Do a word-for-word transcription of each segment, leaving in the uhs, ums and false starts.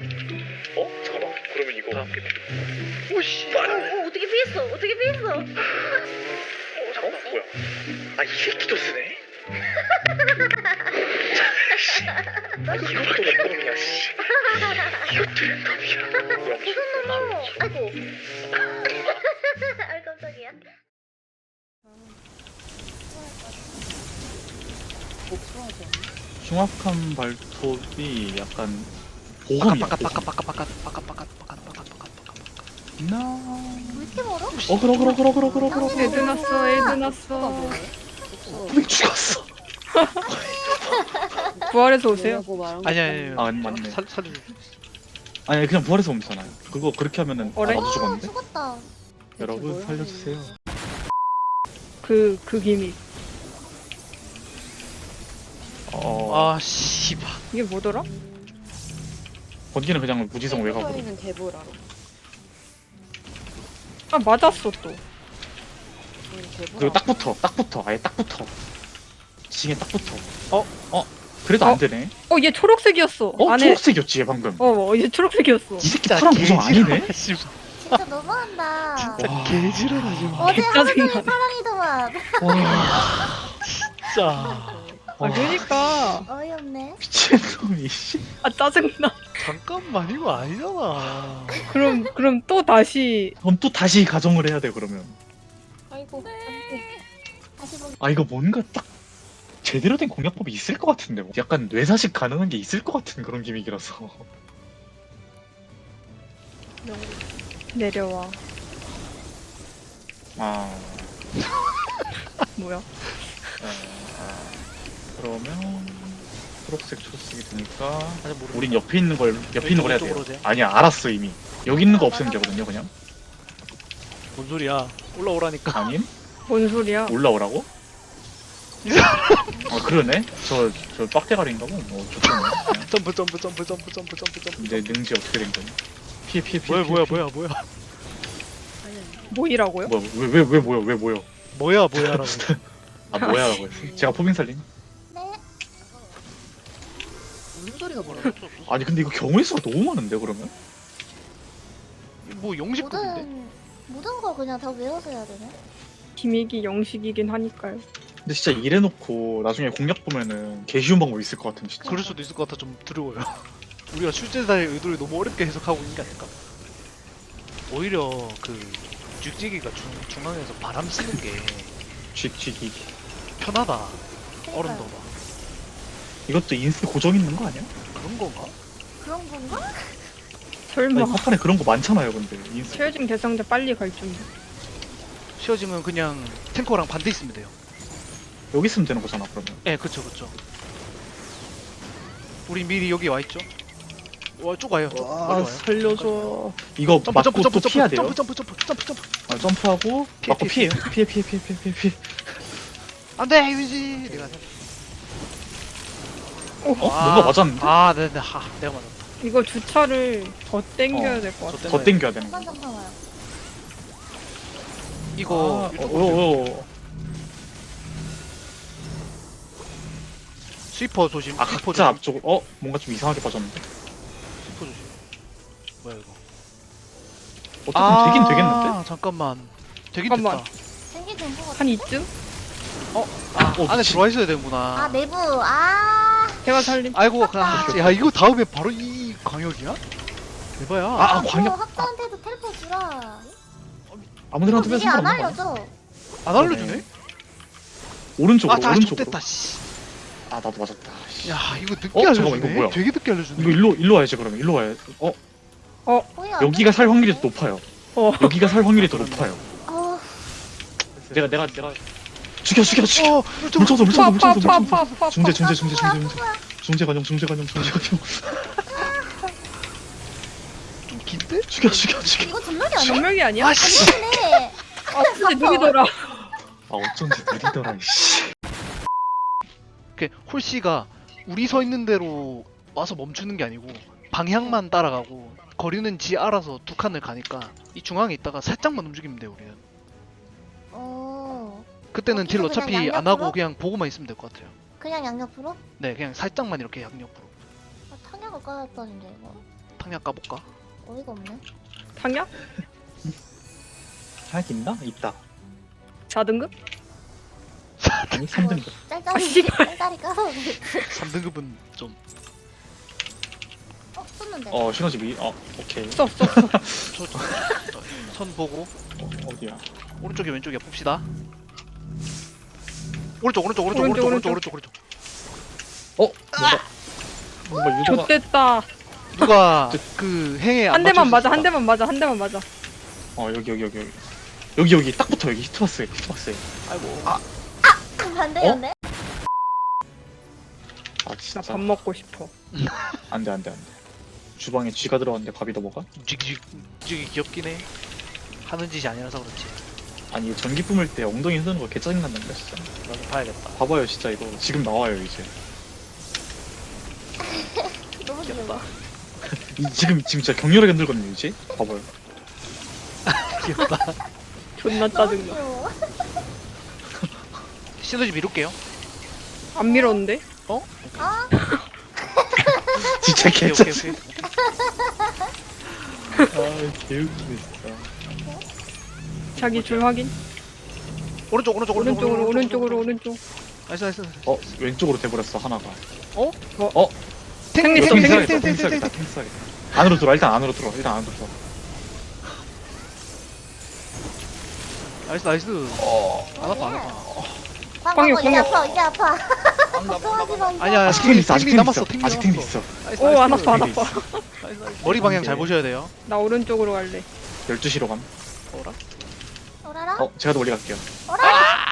어? 잠깐만. 그러면 이거 다 오씨. 어, 어 어떻게 피했어? 어떻게 피했어? 어 잠깐만. 뭐야? 아 이 새끼도 쓰네. 이거밖에 놈이야 씨. 이것도 놈이야. 무슨 놈아? 아이고. 아 깜짝이야. 흉악한 발톱이 약간 보험이야. 바깥 바깥 바깥 바깥 바깥 바깥 바깥 바깥 바깥 나. 왜 이렇게 멀어? 어 그러 그러 그러 그러 그러 그러. 애드 났어, 애드 났어. 왜 죽었어? 부활해서 오세요. 아니 아니 아 맞네. 살 살려 아니 그냥 부활해서 오면 되잖아요. 그거 그렇게 하면은 아, 어래? 나도 어, 죽었는데. 죽었다. 여러분 살려주세요. 그, 그 기믹. 어. 아 씨발 이게 뭐더라? 번기는 그냥 무지성 외곽으로. 는 개보라로. 아, 맞았어, 또. 그리고 딱 붙어. 딱 붙어. 아예 딱 붙어. 징에 딱 붙어. 어? 어? 그래도 어? 안 되네. 어, 얘 초록색이었어. 어? 안에. 초록색이었지 얘 방금. 어, 어, 얘 초록색이었어. 이 새끼 파란 구성 아니네. 씨발 진짜 너무한다. 와. 개지랄하지 마 어제 하루 종일 짜증나. 사랑이더만. 와. 진짜 아, 그니까. 어이없네. 미친놈이 씨. 아, 짜증나. 잠깐만 이거 아니잖아 그럼, 그럼 또 다시. 그럼 또 다시 가정을 해야 돼 그러면. 아이고. 다시 보기. 아 이거 뭔가 딱 제대로 된 공략법이 있을 것 같은데. 뭐. 약간 뇌사식 가능한 게 있을 것 같은 그런 기믹이라서. 내려와. 아. 뭐야? 아. 그러면 초록색 초록색이 되니까 아니 모르 우린 옆에 있는 걸 옆에 있는 걸 해야 돼요. 왼쪽으로 돼? 아니야 알았어 이미. 여기 있는 거 없애면 되거든요 그냥. 뭔 소리야 올라오라니까 아님? 뭔 소리야? 올라오라고? 아 그러네? 저, 저 빡대가리인가 보. 어, 좋겠네. 그냥. 점프 점프 점프 점프 점프 점프 점프 내 능지 어떻게 된 거니? 피해 피해 피해. 뭐야 피해, 뭐야 피해. 뭐야 뭐야 뭐이라고요? 뭐야 왜왜 왜 뭐야 왜 뭐야? 뭐야 뭐야라고 아 뭐야라고 했어. 제가 포빙 살림? 네. 무슨 소리가 뭐라고? 아니 근데 이거 경우의 수가 너무 많은데 그러면? 뭐 영식급인데 모든 모든 거 그냥 다 외워서 해야 되네. 기믹이 영식이긴 하니까요. 근데 진짜 이래놓고 나중에 공략 보면은 개 쉬운 방법 있을 것 같은 진짜. 그럴 수도 있을 것 같아 좀 두려워요 우리가 출제자의 의도를 너무 어렵게 해석하고 있는 게 아닐까 오히려 그 죽지기가 중, 중앙에서 바람 쐬는 게 쥐쥐기. 편하다 그러니까요. 어른도 봐 이것도 인스 고정 있는 거 아니야? 그런 건가? 그런 건가? 설마. 아니 파판에 그런 거 많잖아요 근데 인스. 최효진 대상자 빨리 갈 준비. 쉬어지면 그냥 탱커랑 반대 있으면 돼요 여기 있으면 되는 거잖아 그러면. 예 그쵸 그쵸 우리 미리 여기 와있죠? 와 쭉 와요 쭉 와 멀리 와요 살려줘. 이거 점프 맞고 점프 점프 또 피해야 점프 돼요. 점프 점프 점프 점프 점프 아, 점프하고 피해, 맞고 피해, 피해요. 피해 피해 피해 피해 피해 피해. 안돼 유지 내가 어? 뭔가 맞았는데? 아 네네 하 내가 맞았다 이거 주차를 더 땡겨야 어. 될 것 같아. 저 더 땡겨야 되는 거. 잠깐 잠깐만요. 이거 아, 이쪽으로 어, 어, 어. 스위퍼 조심 아 스위퍼 각자 조심 앞쪽으로. 어? 뭔가 좀 이상하게 빠졌는데. 스위퍼 조심 뭐야 이거 어쨌든 되긴 되겠는데? 아 잠깐만 되긴 잠깐만. 됐다 생기 된거 같아. 한 이쯤? 아 어, 안에 미친. 들어와 있어야 되는구나 아 내부. 아. 제가 살림. 아이고 아, 야 이거 다음에 바로 이 광역이야? 대박이야 아, 아 그 광역. 학자한테도 텔포 주라. 아무데나 이거 두면 미리 안 상관없는 거 아니야? 알려줘. 안 알려주네? 오른쪽으로 아다 오른쪽으로. 좋됐다 씨. 아 나도 맞았다. 씨. 야 이거 늦게 어, 알려주네 잠깐만, 이거 뭐야? 되게 늦게 알려주네 이거 일로 일로 와야지 그러면 일로 와야. 어 뭐야? 여기가 살 확률이 더 높아요. 어. 여기가 살 확률이 더 높아요. 어. 내가 내가 내가 죽여 죽여 죽여. 어 좀- 물청소 물청소 물청소 물청소. 파파파파파. 중재 중재 중재 중재 중재. 중재 관용 중재 관용 중재 관용. 좀 긴데? 죽여 죽여 죽여. 이거 전멸이 아니야? 전멸이 아니야? 아씨 근데 아, 근데 느리더라. 아 어쩐지 느리더라 이씨. 이렇게 홀씨가 우리 서 있는 대로 와서 멈추는 게 아니고 방향만 따라가고 거리는 지 알아서 두 칸을 가니까 이 중앙에 있다가 살짝만 움직이면 돼요 우리는 어. 그때는 딜 거기서 어차피 그냥 안 하고 양옆으로? 그냥 보고만 있으면 될 것 같아요 그냥 양옆으로? 네 그냥 살짝만 이렇게 양옆으로 아, 탄약을 깔았다는데 이거. 탕약 까볼까? 어이가 없네. 탕약? 하약 있나? 있다. 사 등급? 아니 삼 등급. 아, 짤짤이 씨발. 짤짤이 까서. 삼 등급은 좀 어 쏘는데. 어 신호집이. 어 오케이. 써, 써, 써. 저, 저, 선 보고 어, 어디야? 오른쪽에 왼쪽에 봅시다. 오른쪽 오른쪽 오른쪽 오른쪽, 오른쪽 오른쪽 오른쪽 오른쪽. 어 뭔가 뭔가 유도가. 좆됐다. 누가 그 행에 안 한 대만 맞아, 맞춰주셨다. 한 대만 맞아, 한 대만 맞아. 어 여기 여기 여기 여기 여기 여기 딱 붙어 여기 히트박스에 히트박스에. 아이고. 아, 반대였네. 아 나 진짜. 밥 먹고 싶어. 안돼 안돼 안돼. 주방에 쥐가 들어왔는데 밥이 더 먹어? 쥐기 쥐기 귀엽긴 해. 하는 짓이 아니라서 그렇지. 아니 전기 뿜을 때 엉덩이 흔드는 거 개짜증 난다니까 진짜. 나도 봐야겠다. 봐봐요 진짜 이거 지금 나와요 이제. 너무 귀여워. 이, 지금 지금 진짜 격렬하게 흔들거든요 이제. 봐봐요. 귀엽다. 존나 너무 짜증나. 귀여워. 시너지 미룰게요. 안 밀었는데? 아 진짜 오케이 오케이 개짜증. 오케이. 아 개웃기네 진짜. 자기 줄 확인. 오른쪽 오른쪽 오른쪽 오른쪽으로, 오른쪽으로, 오른쪽. 나이스 나이스. 어 왼쪽으로 돼버렸어 하나가. 어? 어? 탱리, 이거 탱리, 탱 탱리, 써야겠다, 탱리. 탱 써야겠다, 탱 써야겠다. 안으로 들어 일단 안으로 들어 일단 안으로 들어. 나이스 나이스. 어. 안 아파 안 아파. 광역, 광역 이제 광역. 아파 이제 아파. 걱정하지 마 이제. 아니야 아직 탱 있어 아직 탱리 탱 남았어. 있어 탱리 아직 탱 남았어. 있어. 나이스, 오, 나이스. 안 아파, 안 탱리 아파. 있어. 나이스, 나이스. 머리 방향 잘 보셔야 돼요. 나 오른쪽으로 갈래. 열두 시로 감. 어라? 오라라. 어 제가 더 멀리 갈게요. 오라라.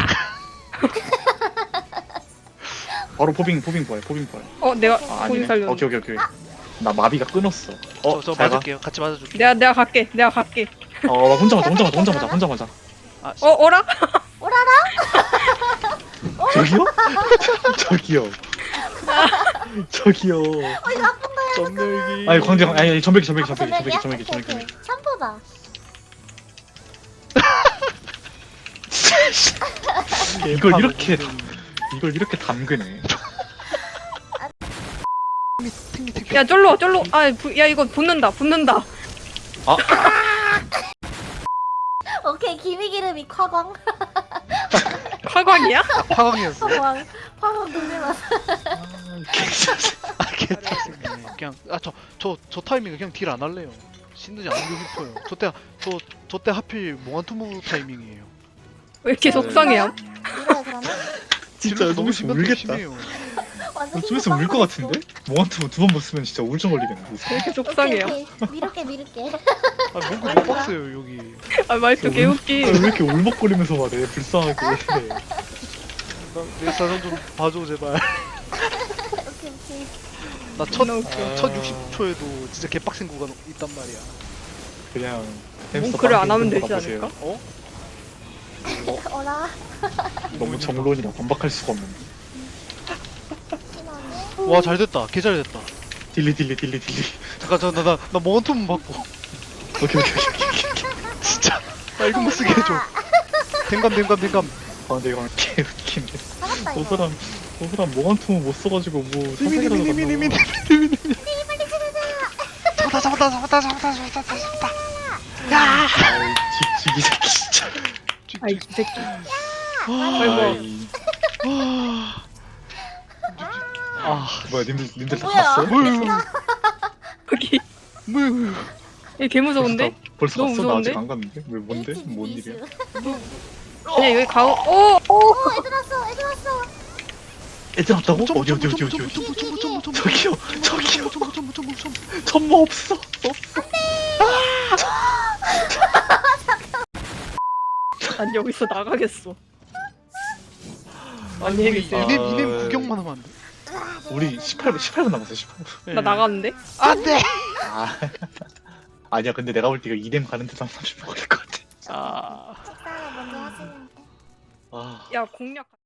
바로 포빙 포빙 보여 포빙 보여. 어, 내가 아 거기 아니네. 살렸네. 오케이 오케이 오케이. 나 마비가 끊었어. 어 저, 저 잘 가. 맞을게요. 같이 맞아줄게. 내가, 내가 갈게, 내가 갈게. 어 나 혼자 맞아 혼자 맞아 혼자 맞아 혼자 맞아. 아, 어, 어라? 오라라. 저기요? 저기요. 저기요. 어 이거 아픈 거야. 점멸기. 아니 광대 아니 아니 전백이 전백이 아, 전백이 전백이 전백이 오케이, 전백이. 오케이. 샴푸다. 이걸 이렇게 이걸 이렇게 담그네. 탱리 탱리. 야, 쫄로, 쫄로. 아, 부, 야, 이거 붙는다, 붙는다. 오케이 기미기름이 화광. 화광이야? 아, 파광이었어. 화광. 화광 동네만. 아, 개짜증네. 그냥 아 저 저 저 타이밍에 그냥 딜 안 할래요. 신드지 안 하고 싶어요. 저때 저 저 때 하필 몽환투무 타이밍이에요. 왜 이렇게 속상해요? 이래 그러면? 진짜 딜러서 너무 심한 울겠다. 심해요. 완전 좀 있으면 울 것 같은데? 몽환투 두번 봤으면 진짜 우울증 걸리겠네. 왜 이렇게 속상해요? 오케이, 오케이. 미룰게 미룰게. 아 뭔가 못 봤어요 여기. 아, 말투 개웃기. 왜 이렇게 울먹거리면서 말해? 불쌍하게. 나 내 사정 좀 봐줘 제발. 오케이 오케이. 나첫 존나 웃겨. 첫 육십 초에도 진짜 개빡센 구간 있단 말이야. 그냥 몽크를 안 하면 되지 보세요. 않을까? 어? 오라. 너무 정론이라 반박할 수가 없는데. 신원이. 와 잘됐다. 개 잘됐다. 딜리 딜리 딜리 딜리. 잠깐 저나나나 몽환투무 받고. 오케이 오케이 오케이. 진짜 나 이거 못 쓰게 해줘. 댕감 댕감 댕감. 아 근데 이건 개 웃긴데. 잡았다 저 이거. 사람 저 사람 몽환투 못 써가지고 뭐 사색이라도 미미미미미미미. 갔나 봐. 잡았다 잡았다 잡았다 잡았다 잡았다 잡았다. 아이 쥐쥐기 새끼 진짜. 아이, 이 새끼. 아이고. 아 뭐야 님들 님들 다 뭐야? 갔어? 뭐야 여기. 뭐야. 얘 개 무서운데? 벌써 너무 갔어? 나 아직 무서운데? 안 갔는데? 왜 뭔데? 에이티즈 뭔 미스. 일이야? 그냥 여기 가오. 오! 오 애들 왔어 애들 왔어. 애들 왔다고? 어디 어디 어디 어디 어디? 저기요 저기요 천모 없어 없어. 난 여기서 나가겠어. 아니 안녕히 우리 계세요. 이넴 이넴 구경만 하면 안 돼? 우리 십팔 분 십팔 분 남았어 십팔 분. 나 나가는데? 안돼. 아 아니야 근데 내가 볼 때 이거 이뎀 가는 데도 한 삼십 분 걸릴 것 같아. 아 식사를 먼저 하시는 데. 아 야, 공략.